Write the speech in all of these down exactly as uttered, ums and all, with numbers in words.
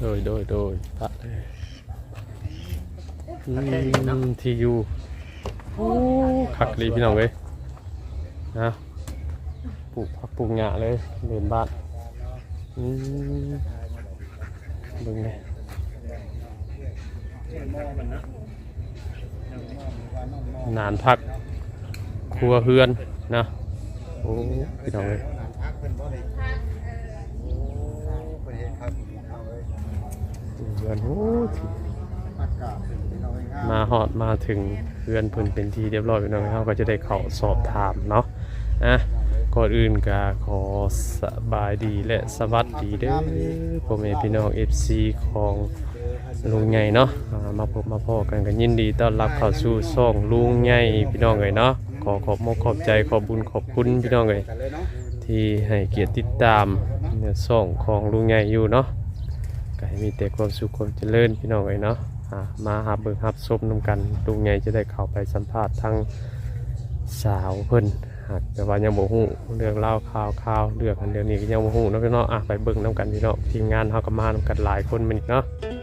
ยโดยโดยพระที่อยู่โอ้คักดีพี่น้องเว้ยนะปลูกผักปลูกหญ้าเลยเดินบ้านอืมเบิ่งเลยนานพักครัวเฮือนนะโอ้พี่น้องเลยเฮือนโอ้มาหอดมาถึงเฮือนเพิ่นเป็นที่เรียบร้อยพี่น้องเขาก็จะได้เข้าสอบถามเนาะอ่ะก่อนอื่นก็ขอสบายดีและสวัสดีเด้อพ่อแม่พี่น้อง เอฟ ซี ของลุงใหญ่เนาะมาพบมาพอกันกันยินดีต้อนรับเข้าสู่ช่องลุงใหญ่พี่น้องเลยเนาะขอขอบมกขอบใจขอบบุญขอบคุณพี่น้องเลยที่ให้เกียรติติดตามในช่องของลุงใหญ่อยู่เนาะก็ให้มีแต่ความสุขความเจริญพี่น้องเลยเนาะมาหาเบิ่งรับชมนำกันลุงใหญ่จะได้เข้าไปสัมภาษณ์ทางสาวเพิ่นหากแต่ว่ายังบ่ฮู้เรื่องเล่าข่าวข่าวเรื่องอันเดียวนี้ก็ยังบ่ฮู้เนาะพี่น้องอ่ะไปเบิ่งนํกันพี่น้องทีมงานเฮาก็มานำกันหลายคนมันเนาะ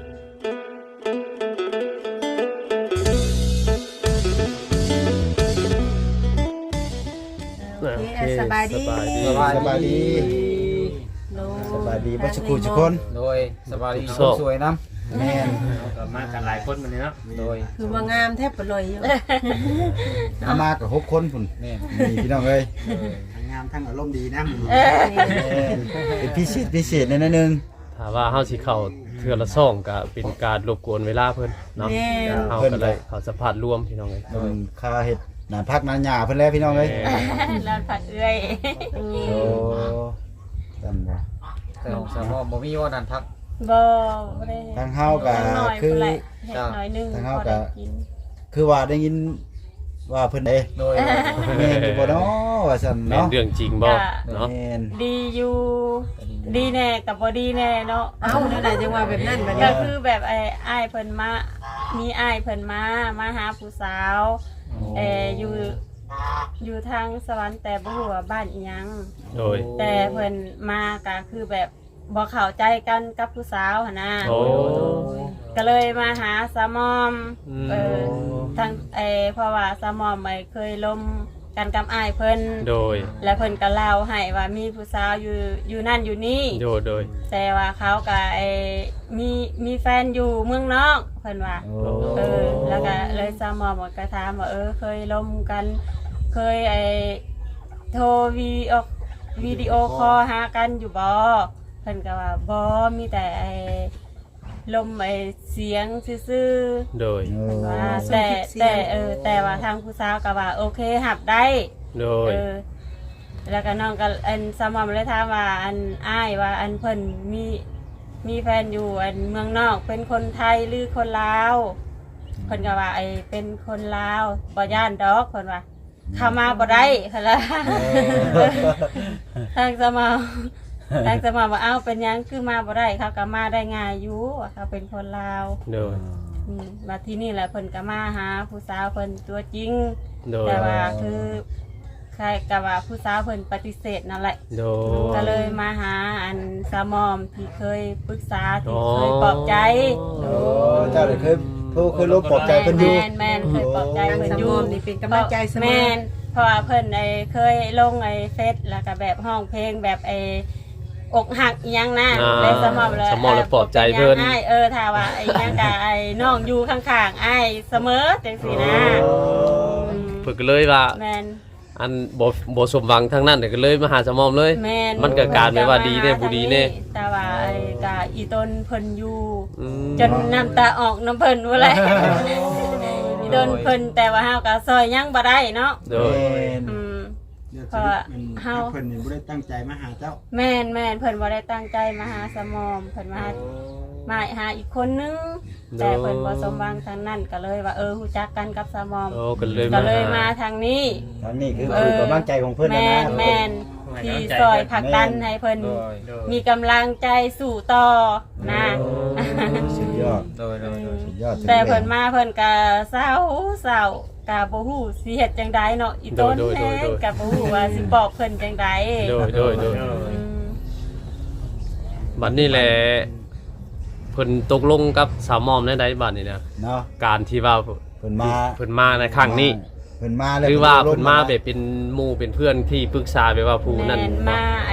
สบายดีสบายดีสบายดีสบายดีบ่สักครู่ทุกคนโดยสบายดีสวยน้ำแม่นมากันหลายคนมันนี่เนาะโดยคือว่างามแทบปลอยอยู่เอามากับหกคนพุ่นแม่นนี่พี่น้องเอ้ยทั้งงามทั้งอารมณ์ดีนะเป็นพิเศษพิเศษนิดนึงถ้าว่าเฮาสิเข้าเทื่อละซ่องก็เป็นการรบกวนเวลาเพิ่นเนาะเฮาก็เลยเข้าสัมภาษณ์รวมพี่น้องเอ้ยโดนค่าเฮ็ดหน้าพักหน้าหญ้าเพิ่นแล้วพี่น้องเอ้ยลานผัดเอื้อยโอ้จำบ่แต่ของสามอบ่มีว่านันพักบ่บ่ได้ทางเฮาก็คือน้อยนึงทางเฮาก็คือว่าได้ยินว่าเพิ่นเด้โดยแม่นอยู่บ่เนาะว่าซั่นเนาะเรื่องจริงบ่เนาะดีอยู่ดีแน่กับบ่ดีแน่เนาะเอ้านั่นน่ะจังว่าแบบนั้นบัดนี้ก็คือแบบไอ้อ้ายเพิ่นมามีอ้ายเพิ่นมามาหาผู้สาวเอ่ออยู่อยู่ทางสวรรค์แต่บ่ฮู้ว่าบ้านอีหยังโดยแต่เพิ่นมาก็คือแบบบ่เข้าใจกันกับผู้สาวหั่นน่ะโอ้ก็เลยมาหาสามอมเออทางเอเพราะว่าสามอมไม่เคยล้มกันกับอ้ายเพิ่นโดยแล้วเพิ่นก็เล่าให้ว่ามีผู้สาวอยู่อยู่นั่นอยู่นี่โดยโดยแต่ว่าเขาก็ไอ้มีมีแฟนอยู่เมืองนอกเพิ่นว่าเออแล้วก็เลยสามอมก็ถามว่าเออเคยล้มกันเคยไอ้โทรวีออกวิดีโอคอลหากันอยู่บ่เพิ่นก็ว่าบ่มีแต่ไอ้ลมไอ้เสียงซื่อๆโดยว่าแต่แต่เออแต่ว่าทางผู้สาวก็ว่าโอเคหับได้โดยเออแล้วก็น้องก็อันสมอมเลยถามว่าอันอ้ายว่าอันเพิ่นมีมีแฟนอยู่อันเมืองนอกเป็นคนไทยหรือคนลาวเพิ่นก็ว่าไอ้เป็นคนลาวบ่ย่านดอกเพิ่นว่าเข้ามาบ่ได้เพิ่นล่ะทางสมอมทางสมอว่าเอ้าเป็นยังคือมาบ่ได้เขาก็มาได้ง่ายอยู่เขาเป็นคนลาวโดยอืมมาที่นี่แหละเพิ่นก็มาหาผู้สาวเพิ่นตัวจริงแต่ว่าคือใครก็ว่าผู้สาวเพิ่นปฏิเสธนั่นแหละโดยก็เลยมาหาอันสามอมที่เคยปรึกษาที่เคยปลอบใจโอ้เจ้าได้เคยโทรเคยลบปลอบใจเพิ่นอยู่แม่นๆเคยปลอบใจเพิ่นอยู่นี่เป็นกำลังใจเสมอแม่นเพราะว่าเพิ่นไอ้เคยลงไอ้เฟซแล้วก็แบบห้องเพลงแบบไอ้อกหักอีหยังนะเลยสมอเลยสมอเลยปลอบใจเพิ่นเออถ้าว่าไอ้ยังกะไอ้น้องอยู่ข้างๆไอ้เสมอจังซี่นะเพิ่นก็เลยว่าแม่นอันบ่บ่สมหวังทางนั้นก็เลยมาหาสมอมเลยมันก็การไม่ว่าดีแน่บ่ดีแน่แต่ว่าไอ้กะอีต้นเพิ่นอยู่จนน้ำตาออกน้ำเพิ่นว่าแหละอีต้นเพิ่นแต่ว่าเฮาก็ซอยยังบ่ได้เนาะโดยอืมเพราะเฮาเพิ่นนี่บ่ได้ตั้งใจมาหาเจ้าแม่นแม่นเพิ่นบ่ได้ตั้งใจมาหาสมอมเพิ่นมามาหาอีกคนนึงแต่เพิ่นบ่สมหวังทางนั้นก็เลยว่าเออฮู้จักกันกับสมอมก็เลยก็เลยมาทางนี้ทางนี้คือคือกำลังใจของเพิ่นนะนะแม่นๆที่ซอยผลักดันให้เพิ่นมีกำลังใจสู่ต่อนะสุดยอดโดยๆสุดยอดแต่เพิ่นมาเพิ่นก็เศร้าเศร้ากะบ่ฮู้สิเฮ็ดจังไดเนาะอีต้นแท้กะบ่ฮู้ว่าสิปอบเพิ่นจังไดโดยโดยโดยบัดนี้แหละเพิ่นตกลงกับสาวมอมได้ใดบัดนี้นะเนาะการที่ว่าเพิ่นมาเพิ่นมาในครั้งนี้เพิ่นมาแล้วหรือว่าเพิ่นมาแบบเป็นหมู่เป็นเพื่อนที่ปรึกษาแบบว่าผู้นั้นแม่นมาไอ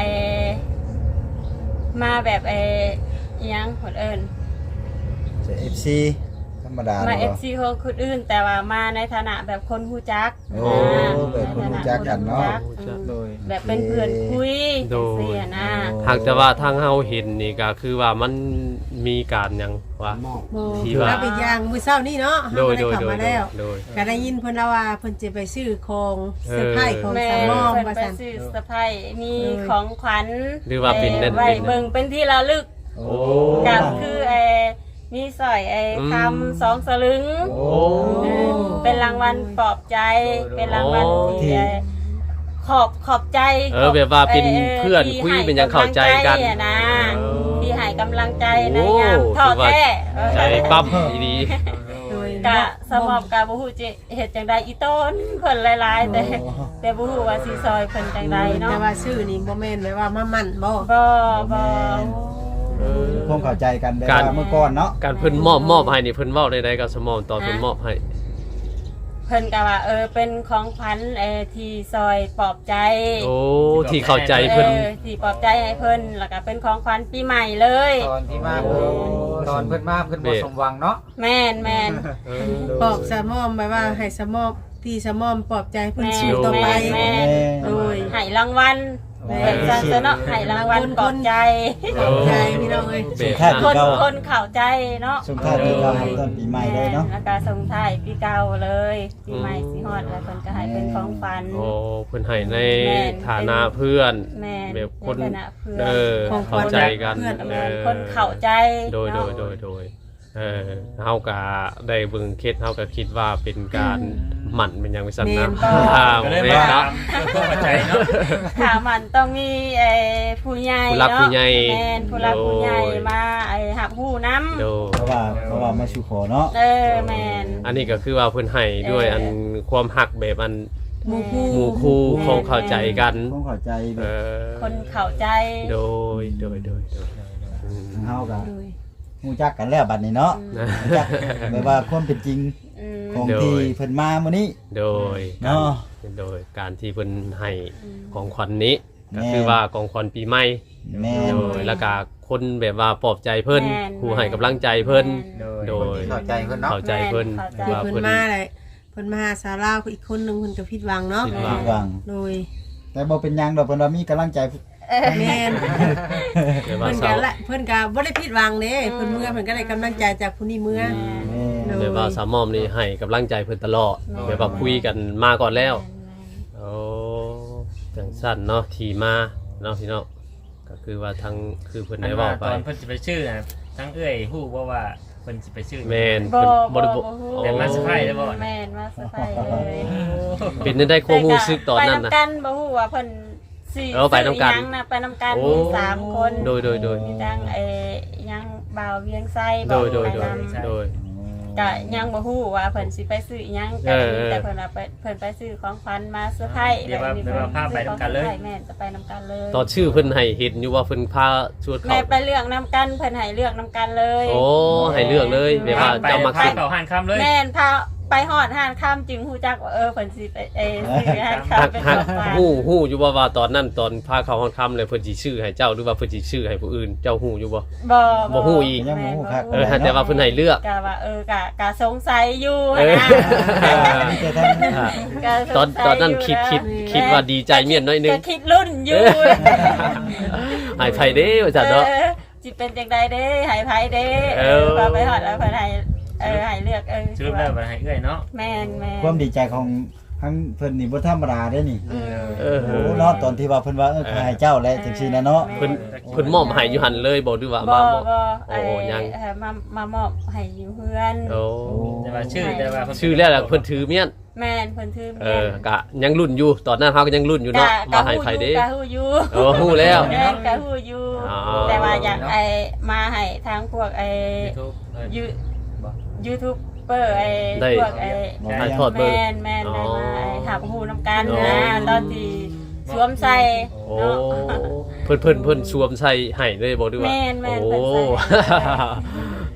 มาแบบไออิหยังคนเอิ้นจะ เอฟ ซีธรรมดามาเนาะเอฟซีของคนอื่น แต่ว่ามาในฐานะแบบคนฮู้จักโอ้แบบคนรู้จักกันเนาะอืมโดยแบบเป็นเพื่อนคุยโดยเสียนะหากแต่ว่าทางเฮาเห็นนี่ก็คือว่ามันมีการหยังว่าโบที่ว่าแล้วอีกอย่างมื้อเช้านี่เนาะโดเฮาย ก็โดได้ยเข้าโดยมาแล้วโดยก็ได้ยินเพิ่นแล้วว่าเพิ่นจะไปซื้อของเซอร์ไพรส์ของแม่สามมอมเพิ่นว่าไปซั่นซื้อสะพายมีเออของขวัญหรือว่าเป็นนั่นไว้เป็นนั่นเบิ่งเป็นที่ระลึกโอ้กับคือไอ้มีสร้อยไอ้อืมคำสองสลึงโอ้เออเป็นรางวัลปลอบใจ เป็นรางวัลโอ้ที่ไอ้ขอบขอบใจเออแบบว่าเป็นเพื่อนที่คุยให้เป็นหยังเข้าใจกันำลังอะนะเออที่ให้กำลังใจในโอ้ยามท้อถือว่าแท้ใจปั๊มดีโดยกะสมอบกะบ่ฮู้จิเฮ็ดจังใดอีต้นเพิ่นหลายๆแต่แต่บ่ฮู้ว่าสิซอยเพิ่นจังใดเนาะแต่ว่าชื่อนี่บ่แม่นไว้ว่ามามั่นบ่บ่บ่เออคงเข้าใจกันแบบการว่าเมื่อก่อนเนาะการเพิ่นมอบมอบให้นี่เพิ่นเว้าได้ๆกับสมอมตอนเพิ่นมอบให้เพิ่นก็ว่าเออเป็นของขวัญเออที่ซอยปลอบใจโอ้ที่เข้าใจเพิ่นออที่ปลอบใจให้เพิ่นแล้วก็เป็นของขวัญปีใหม่เลยตอนที่มาเพิ่นตอนเพิ่นมาเพิ่นบ่สมหวังเนาะแม่นแม่นเออปลอบสามอมไว้ว่าให้สามอมที่สามอมปลอบใจเพิ่นแม่สู้ต่อไปแม่โดยให้รางวัลแม่เป็นจังซะเนาะให้รางวัลปลอบใจปลอบใจพี่น้องเอ้ยเบสคนนะคนเข้าใจเนาะช่วงท้ายปีเก่าต้นปีใหม่เลยเนาะแล้วก็ส่งท้ายปีเก่าเลยปีใหม่สิฮอดแล้วเพิ่นก็ให้เป็นของขวัญโอ้เพิ่นให้ในแม่นฐานะเพื่อนแม่นแบบคนในฐานะเพื่อนเออของขวัเข้าญใจกันเพื่อนเอแม่นอคนเข้าใจโดยโดยโดยโดยเออเฮาก็ได้เบิ่งเคสเฮาก็คิดว่าเป็นการหมั่นเป็นหยังไงซั่นนะแม่นอ่าก็เลยแม่มานเนาะเพื่อเข้าใจเนาะถามมันต้องมีไอ้ผู้ใหญ่ผู้รักเนาะผู้ใหญ่แม่นผู้รักผู้ใหญ่โดยมาไอ้หับหูน้โดยเพราะว่าเพราะว่ามาสู่ขอเนาะำเออแม่นอันนี้ก็คือว่าเพิ่นให้ด้วยอันความหักแบบอันหมู่คู่หมู่คู่คงเข้าใจกันคงเข้าใจแบเอบ อคนเข้าใจโดยโดยโดยโดยอืมเฮาก็โดยฮู้จักกันแล้วบัดนี้เนาะนะรู้จักแบบว่าความเป็นจริงอืมของโดยที่เพิ่นมามื้อนี้โดยเนาะโดยการที่เพิ่นให้ของขวัญนี้แม่ก็คือว่าของขวัญปีใหม่แม่นโดยแล้วก็คนแบบว่าปลอบใจเพิ่นแม่นผู้ให้กำลังใจเพิ่นโดยโดยคนที่เข้าใจเพิ่นเนาะเข้าใจเพิ่นแม่นเข้าใจว่าเพิ่นเพิ่นมาเลยเพิ่นมาหาสาวลาวอีกคนหนึงเพิ่นก็ผิดหวังเนาะผิดหวัผิดหวังโดยแต่บ่เป็นหยังดอกเพิ่นว่ามีกำลังใจแม่นแบบว่าเพิ่นสาก็วละเพิ่นก็บ่ได้ผิดหวังเด้เพิ่นเมื่อเพิ่นก็ได้กำลังใจจากผู้นี้เมื่อแม่นโดยแบบว่าสามอมนี่ให้กำลังใจเพิ่นตลอดแบบว่าคุยกันมาก่อนแล้วโอ้จังสั้นเนาะที่มาเนาะพี่น้องก็คือว่าทั้งคือเพิ่นอัได้นเว้าว่าไปตอนเพิ่นสิไปชื่อน่ะทั้งเอ้ยฮู้บ่ว่าเพิ่นสิไปชื่อแม่นบ่เพิ่นบ่ได้บ่บอกฮู้แต่มาเซอร์ไพรส์ได้บ่แม่นมาเซอร์ไพรส์เลยเป็นได้ความรู้สึกตอนนั้นไปนะนำกันบ่ฮู้ว่าเพิ่นสิเออไปนำกันซื้อหยังนะไปนำกันโอ้มีสามคนโดยโดยโดยมีทั้งไอ้ยังบ่าวเวียงไส้โดยโดยไปโดยนำโดยก็ยังบ่ฮู้ว่าเพิ่นสิไปซื้อหยังกัเอน อเออแต่เพิ่นว่าไปเพิ่นไปซื้อของขวัญมาเซอร์ไพรส์เดี๋ยวว่าเดี๋ยวว่าพาไปนำกันเลยแม่นจะไปนำกันเลยตอนชื่อเพิ่นให้เห็นอยู่ว่าเพิ่นพาชวนแม่เขาไปเลือกนำกันเพิ่นให้เลือกนำกันเลยโอ้ให้เลือกเลยแบบว่าไปเจ้ามักพาสิเขาหันคำเลยแม่นพาไปฮอดห้านข้ามจึงฮู้จักว่าเออเพิ่นสิไปเออซื้อห้านข้ามหักเป็นหักของขวัญฮู้ฮู้อยู่ว่าว่าตอนนั้นตอนพาเขาห้องค่ำเลยเพิ่นสิชื่อให้เจ้าหรือว่าเพิ่นสิชื่อให้ผู้อื่นเจ้าฮู้อยู่บ่บ่บ่ฮู้อีกยังบ่ฮู้ครับเออแต่ว่าเพิ่นให้เลือกกะว่าเออกะกะสงสัยอยู่เออนะมีแต่ทั้งอ่ากะสงสัยตอนตอนนั้นคิดคิดคิดว่าดีใจเมียนน้อยนึงก็คิดรุ่นอยู่ให้ไผเด้ว่าซั่นเนาะออสิเป็นจังใดเด้ให้ไผเด้เอเอออพอไปฮอดแล้วเพิ่นให้เออให้เลือกเออชื่อแล้วบ่ให้เอ้ยเนาะแม่นแม่นความดีใจของทั้งเพิ่นนี่บ่ธรรมดาเด้นี่อืมเออโอ้เนาะตอนที่ว่าเพิ่นว่าเออขายเจ้าและจังซี่นะเนาะเพิ่นเพิ่นมอบให้อยู่หั่นเลยบ่หรือว่าบ่มามอบบ่โอ้ไอ้ยังเอ่อมามามอบให้อยู่เพื่อนโอ้แต่ว่าชื่อแต่ว่าเพิ่นชื่อแล้วล่ะเพิ่นถือเมียนแม่นเพิ่นถือเอเมียอน กะยังรุ่นอยู่ตอนนั้นเฮาก็ยังรุ่นอยู่เนาะกะมากะให้ฮู้ไผอยู่เด้กะฮู้อยู่โอ้ฮู้แล้วแม่นกะฮู้อยู่อ๋อแต่ว่าอยากไอ้มาให้ทางพวกไอ้ YouTube เออยูบ่ยูทูบเบอร์ไอ้ได้พวกไอ้ถ่ายทอดเบิ่งแม่นแม่นได้มาไอ้หับหูน้ำกันอ๋อนะตอนที่สวมใส่โอ้เนาะเพิ่นเพิ่นเพิ่นสวมใส่ให้เลยบ่ดีว่าแม่นแม่นโอ้เพิ่นใส่ให้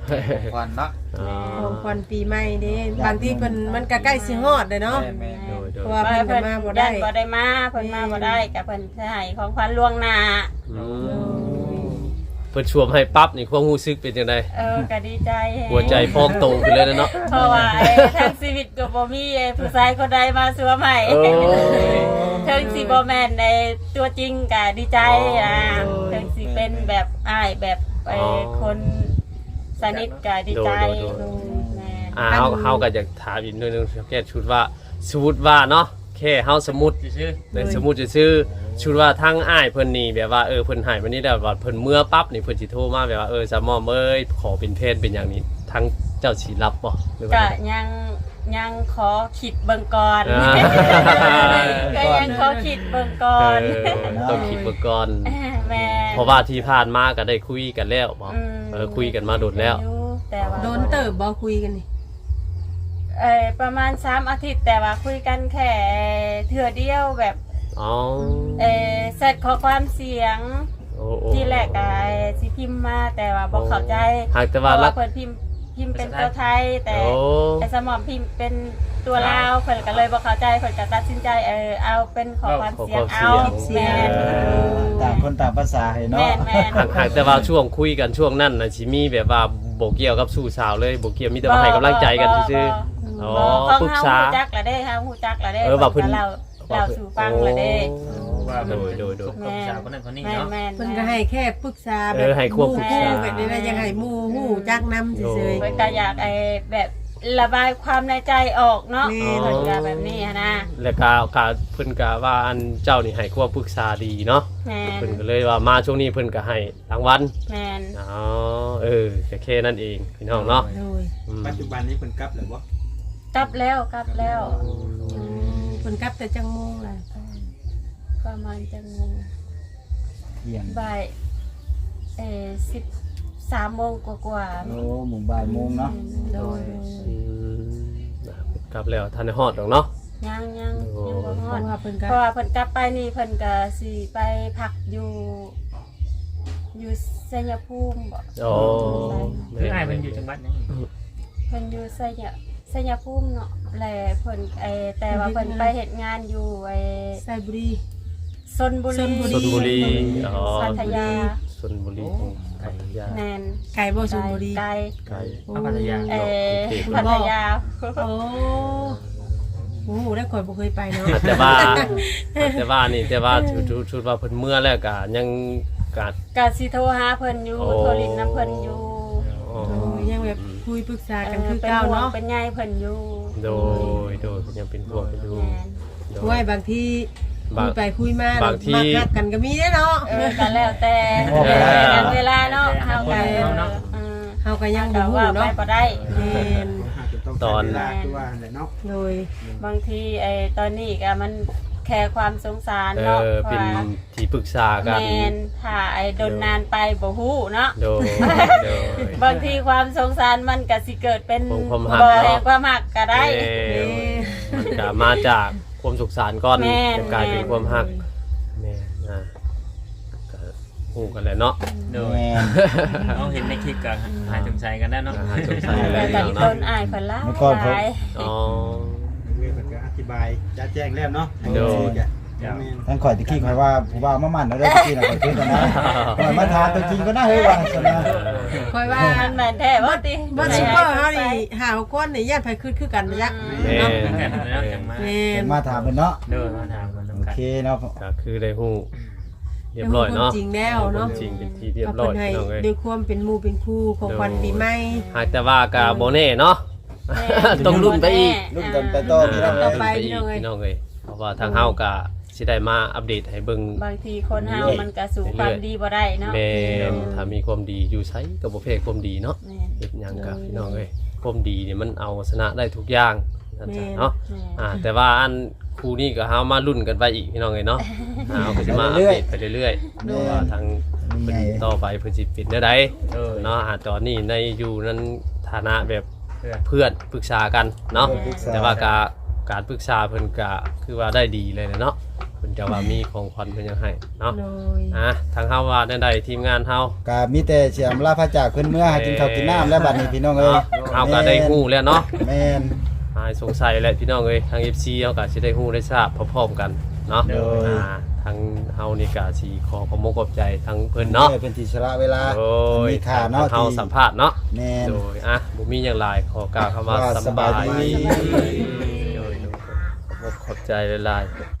ของขวัญเนาะอ๋อของขวัญปีใหม่เด้บางทีเพิ่นมันก็ใกล้สิฮอดเลยเนาะแม่นโดยโดเพยราะว่าเพิ่นก็มาบ่ได้ยันบ่ได้มาเพิ่นมาบ่ได้ก็เพิ่นสิให้ของขวัญล่วงหน้าอืมเพิ่นชวมให้ปั๊บนี่ความรู้สึกเป็นจังได๋เออก็ดีใจแฮะหัวใจพองโตขึ้นเลยนะเนาะเพราะว่าไอ้ทั้งชีวิตก็บ่มีไอ้ผู้ชายคนใดมาสวมให้โอ้ถึงสิบ่แม่นในตัวจริงก็ดีใจอ่ะถึงสิเป็นแบบอ้ายแบบไอ้คนสนิทก็ดีใจแม่อ่าเฮาเฮาก็อยากถามอีกหนิดนึงแค่ชุดว่าสมมุติว่าเนาะแค่เฮาสมมุติชื่อในสมมุติจะชื่อชุดว่าทั้งอ้ายเพิ่นนี่แบบว่าเออเพิ่นให้วันนี้แบบว่าเพิ่นเมื่อปั๊บนี่เพิ่นสิโทรมาแบบว่าเออสามอมเอ้ยขอเป็นเพศเป็นอย่างนี้ทั้งเจ้าสิรับบ่หรือว่าก็ไงยังยังขอคิดเบิ่งก่อนอ่าก็ยังขอคิดเบิ่งก่อนเออต้องคิดเบิ่งก่อนแม่เพราะว่าที่ผ่านมาก็ได้คุยกันแล้วบ่อืมเออคุยกันมาโดนแล้วอยู่แต่ว่าโดนเติบบ่คุยกันนี่เออประมาณสามอาทิตย์แต่ว่าคุยกันแค่เทื่อเดียวแบบอ๋อเออเสร็จขอความเสียงโอ้โอ้ที่แรกก็สิพิมพ์มาแต่ว่าบ่เข้าใจหากแต่เพว่าราะลัว่าก เพิ่นพิมพ์พิมพ์เป็นตัวไทยแต่โอ้ไอ้สมอมพิมพ์เป็นตัวลาวเพิ่นก็เลยบ่เข้าใจเพิ่นก็ตัดสินใจเออเอาเป็นขอความเสียงเอาแม่นต่างคนต่างภาษาให้เนาะแม่นแม่นหากหากแต่ว่าช่วงคุยกันช่วงนั้นน่ะสิมีแบบว่าบ่เกี่ยวกับสู่สาวเลยบ่เกี่ยวมีแต่ว่าให้กำลังใจกันซื่อๆอ๋อบ่ปรึกษาเฮาฮู้จักละเด้เฮาฮู้จักละเด้เออว่าเพิ่นเราเราสู่ฟังละเด้ว่าโดยโดยโดยกับสาวคนนั้นคนนี้แม่นเนาะแม่นเพิ่นก็ให้แค่ปรึกษาแบเอบ อให้ความปรึกษาหมู่แบบนี้นะยังให้หมู่ฮู้จักนำซื่อเพิ่นก็อยากไอ้แบบระบายความในใจออกเนาะแม่เพิ่นก็แบบนี้หั้นนะแล้วก็ก็เพิ่นก็ว่าอันเจ้านี่ให้ความปรึกษาดีเนาะแม่นเพิ่นก็เลยว่ามาช่วงนี้เพิ่นก็ให้รางวัลแม่นอ๋อเออแค่แค่นั้นเองพี่น้องเนาะๆโดยอืมปัจจุบันนี้เพิ่นกลับแล้วบ่กลับแล้วกลับแล้วเพิ่นกลับแต่จังโมงล่ะประมาณจังโมงเที่ยงบ่ายเอ่อสิบสามโมงกว่าๆโอ้หมู่บ่ายโมงเนาะโดยอืมกลับแล้วทันได้ฮอดดอกเนาะยังยังยังบ่ฮเพอดราะว่าเพิ่นก็เพราะว่าเพิ่นกลับไปนี่เพิ่นก็สิไปพักอยู่ อยู่ชัยภูมิบ่โอ้คืออ้ายมันอยู่จังหวัดนั้นเพิ่นอยู่ชัยชัยภูมิเนาะแลเพิ่นไอ้แต่ว่าเพิ่นไปเฮ็ดงานอยู่ไอ้ไซบุรีชลบุรีชลบุชลบุรีอ๋อพัทยาชลบุรีพัทยาแม่นไก่บ่ชลบุรีไกลไกลพระพัทยาเอ่อโอเคพัทยาโอ้โหได้ข่อยบ่เคยไปเนาะแต่ว่าแต่ว่านี่แต่ว่าชุดชุดชุดว่าเพิ่นเมื่อแล้วก็ยังกาดก็สิโทรหาเพิ่นอยู่โอ้โทรลินน้ำเพิ่นอยู่อ๋อโอ้ยยังแบบคุยปรึกษาเอกันอคือเป็นเก่าห่วงเนาะเป็นใยเพิ่นอยู่โดยโดยยังเป็นพวกกันอยู่แม่นโดโอ้ยยบางทีคุบางยไปคุยมาบางทีมาคัดกันก็มีเด้เนาะเออก็แล้วแต่เออแต่เวลาเนาะเฮาก็เนาะเออเฮาก็ยังบ่แต่ฮู้ว่าไปเนาะบ่ได้แม่นตอนเวลาคือว่าแหละเนาะโดยบางทีไอ้ตอนนี้ก็มันแค่ความสงสารเอเนาะอเพราะเป็นว่าที่ปรึกษากันแม่นถ้าไอ้ดนนานไปบ่ฮู้เนาะโดยโดยบางทีความสงสารมันก็สิเกิดเป็นความหักบ่เนาะแห่งความหักก็ได้เออมันก็มาจากความสุขสารก่อนแม่นจะกลายเป็นความหักแม่นะก็ฮู้กันแหละเนาะโดยแม่นเอาเห็นในคลิปกันหายสงสัยกันได้เนาะหายสงสัยแต่ก็อีต้นอายเพิ่นหลายเมื่อก่อนผมหลายอ๋อเรื่องมันก็อธิบายจะแจ้งแล้วเนาะโดยท่านข่อยตะกี้ข่อยว่าผู้บ่าวมามั่นแล้วได้ตะกี้น่ะข่อยคิดว่านะข่อยมาถามตัวจริงก็น่าเฮ้ยว่าซั่นนะค่อยว่ามันแม่นแท้บ่ติบ่ซุปเปอร์เฮานี่หาคนนี่ญาติไผคือคือกันบ่ยักแม่เนาะเหมือนกันแล้วจังมาแม่เพิ่นนมาถามเพิ่นเนาะเดินมาถามกันโอสำคัญเคเนาะก็คือได้ฮู้เรียบร้อยเนาะจริงแล้วเนาะจริงเป็นที่เรียบก็ร้อเพิ่ยนให้พี่น้องเอ้ยด้วยความเป็นหมู่เป็นคู่ของขวัญปีใหม่หากแต่ว่าก็บ่แน่เนาะแม่ต้องลุ้นไปอีกรุ่นกันไปต่อพี่น้องต่อเอ้ยไปไปอีกพี่น้องเอ้ยเพราะว่าทางเฮาก็สิได้มาอัปเดตให้เบิ่งบางทีคนเฮามันก็สู่ความดีบ่ได้เนาะแม่นถ้ามีความดีอยู่ไสก็บ่แพ้ความดีเนาะแม่นเฮ็ดหยังก็พี่น้องเอ้ยความดีนี่มันเอาชนะได้ทุกอย่างนั่นจ้ะเนาะแม่นอ่าแต่ว่าอันครูนี่ก็เฮามาลุ้นกันไปอีกพี่น้องเอ้ยเนาะอ่าเฮาก็สิมาอัปเดตไปเรื่อยๆว่าทางเพิ่นต่อไปเพิ่นสิเป็นได้ใดเออเนาะอ่าตอนนี้ในอยู่นั้นฐานะแบบเพื่อนเพื่อนปรึกษากันเนาะปรึกษาแต่ว่าก็การปรึกษาเพิ่นก็คือว่าได้ดีเลยนะเนาะเพิ่นจะว่ามีของขวัญเพิ่นยังให้เนาะโดยอ่ะทางเฮาว่าได้ใดทีมงานเฮาก็มีแต่เสียมลาพระจากเพิ่นเมื่อหากินข้าวกินน้ำแล้วบัดนี้พี่น้องเอ้ยเฮาก็ได้ฮู้แล้วเนาะแม่นหายสงสัยแล้วพี่น้องเอ้ยทาง เอฟ ซี เฮาก็สิได้ฮู้ได้ทราบพร้อมๆกันเนาะโดยอ่าทางเฮานี่ก็สิขอขอบคุณขอบใจทางเพิ่นเนาะเพิ่นที่สละเวลาโดยมีค่าเนาะทงเฮาที่สัมภาษณ์เนาะแม่นโดยอ่ะบ่มีหยังหลายขอกล่าวคำว่าว่าสำบายสบายดีดีโดยขอบคุณขอบใจหลายๆ